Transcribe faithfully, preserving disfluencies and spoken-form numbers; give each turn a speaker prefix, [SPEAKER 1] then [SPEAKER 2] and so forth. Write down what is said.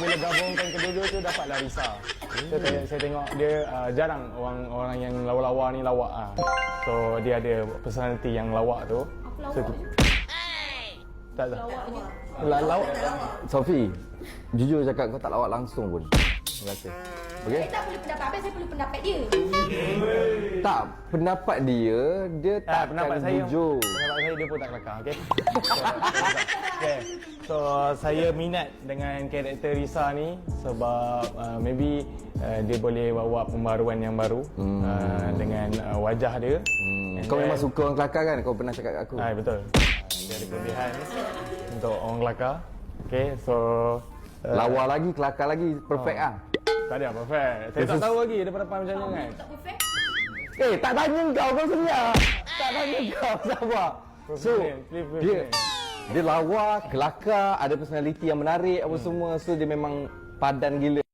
[SPEAKER 1] bila gabungkan kedua-dua tu dapatlah Risa. Saya, tengok, saya tengok dia uh, jarang orang orang yang lawa-lawa ni lawak ah. So dia ada personality yang lawak tu.
[SPEAKER 2] Aku lawak
[SPEAKER 1] So,
[SPEAKER 2] je.
[SPEAKER 1] tak tak.
[SPEAKER 2] Lawak je.
[SPEAKER 1] La, lawak.
[SPEAKER 3] Sofi, jujur cakap kau tak lawak langsung pun. Terima kasih. Okey?
[SPEAKER 2] Saya tak boleh pendapat apa, saya boleh pendapat dia.
[SPEAKER 3] Tak, pendapat dia, dia
[SPEAKER 1] Ah,
[SPEAKER 3] tak
[SPEAKER 1] pendapat
[SPEAKER 3] akan
[SPEAKER 1] saya,
[SPEAKER 3] jujur.
[SPEAKER 1] pendapat saya dia pun tak kelakar, okey. Okay. So saya minat dengan karakter Risa ni sebab uh, maybe uh, dia boleh bawa pembaruan yang baru hmm. uh, dengan uh, wajah dia.
[SPEAKER 3] Hmm.
[SPEAKER 1] And
[SPEAKER 3] Kau
[SPEAKER 1] then-
[SPEAKER 3] memang suka orang kelakar kan? Kau pernah cakap kat aku.
[SPEAKER 1] Ah, betul. Dia ada kelebihan untuk orang kelakar. Okay, so uh,
[SPEAKER 3] Lawa lagi, kelakar lagi, perfect
[SPEAKER 1] Oh.
[SPEAKER 3] ah.
[SPEAKER 1] tak ada perfect. Saya tak tahu lagi daripada depan macam mana kan.
[SPEAKER 2] Tak perfect.
[SPEAKER 3] Eh, tak tanya kau, kau sedia. Tak tanya kau, sabar. So,
[SPEAKER 1] Please, please,
[SPEAKER 3] dia
[SPEAKER 1] please.
[SPEAKER 3] dia lawa, kelakar, ada personality yang menarik apa semua. So dia memang padan gila.